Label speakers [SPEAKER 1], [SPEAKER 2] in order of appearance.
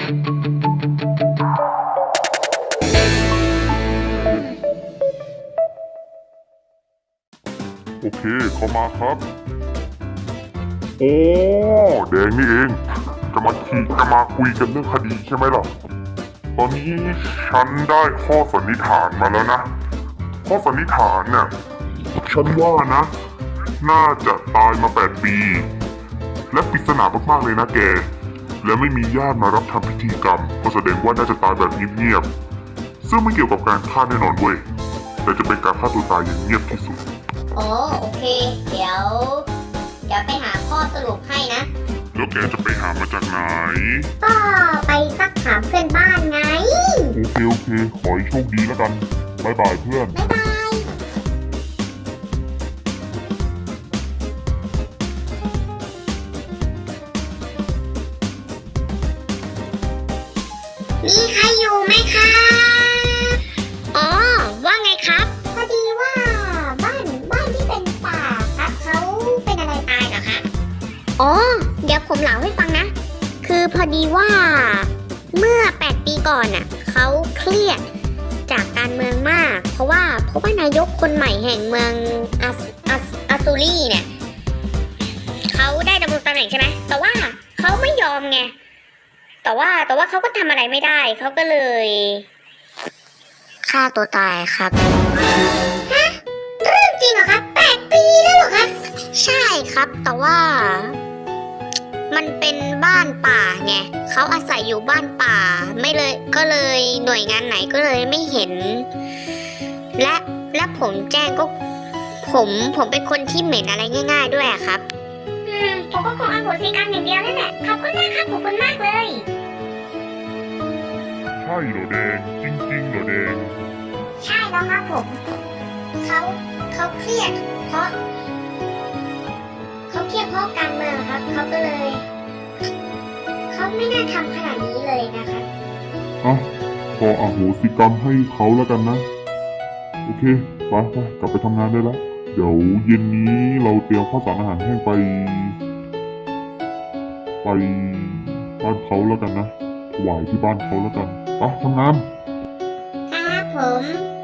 [SPEAKER 1] โอเคเข้ามาครับโอ้แดงนี่เองจะมาคุยกันเรื่องคดีใช่ไหมล่ะตอนนี้ฉันได้ข้อสันนิษฐานมาแล้วนะข้อสันนิษฐานเนี่ยฉันว่านะน่าจะตายมา8 ปีและปริศนามากๆเลยนะแกและไม่มีญาติมารับทำพิธีกรรมก็แสดงว่าน่าจะตายแบบเงียบๆซึ่งไม่เกี่ยวกับการฆ่าแน่นอนเว้ยแต่จะเป็นการฆ่าตัวตายอย่างเงียบที่สุด
[SPEAKER 2] โอเคเดี๋ยวไปหาข้อสรุปให้นะ
[SPEAKER 1] แล้วแกจะไปหามาจากไหน
[SPEAKER 2] ก็ไปซักถามเพื่อนบ้านไง
[SPEAKER 1] โอเคขอให้โชคดีแล้วกันบ๊ายบายเพื่อน
[SPEAKER 2] บ๊ายบายมีใครอยู่ไหมคะอ๋อว่าไงครับพอดีว่าบ้านที่เป็นป่าครับเขาเป็นอะไรตายเหรอคะอ๋อเดี๋ยวผมเล่าให้ฟังนะคือพอดีว่าเมื่อ8 ปีก่อนน่ะเขาเครียดจากการเมืองมากเพราะว่านายกคนใหม่แห่งเมืองอาซูรีเนี่ยเขาได้ดำรงตำแหน่งใช่ไหมแต่ว่าเขาไม่ยอมไงแต่ว่าเขาก็ทำอะไรไม่ได้เขาก็เลยฆ่าตัวตายครับฮะเรื่องจริงเหรอครับ8 ปีแล้วเหรอครับใช่ครับแต่ว่ามันเป็นบ้านป่าไงเขาอาศัยอยู่บ้านป่าไม่เลยก็เลยหน่วยงานไหนก็เลยไม่เห็นและผมแจ้งก็ผมเป็นคนที่เหม็นอะไรง่ายๆด้วยอะครับผมก็คงอโหสิกรรมอย่างเดียวนั่นแหละขอบคุณมากครับขอบคุณมากเลย
[SPEAKER 1] ใช่เหรอแดงจริงๆเหรอแดง
[SPEAKER 2] ใช่แล้วครับผมเขาเครียดเพราะการเมืองครับเขาก็เลยเขาไม่น่าทำขนาดนี้เลยนะครับ
[SPEAKER 1] ขออโหสิกรรมให้เขาแล้วกันนะโอเคไปกลับไปทำงานได้แล้วเดี๋ยวเย็นนี้เราเตรียมข้าวสารอาหารแห้งไปบ้านเขาแล้วกันนะถวายที่บ้านเขาแล้วกันไปทำงาน
[SPEAKER 2] ครับผม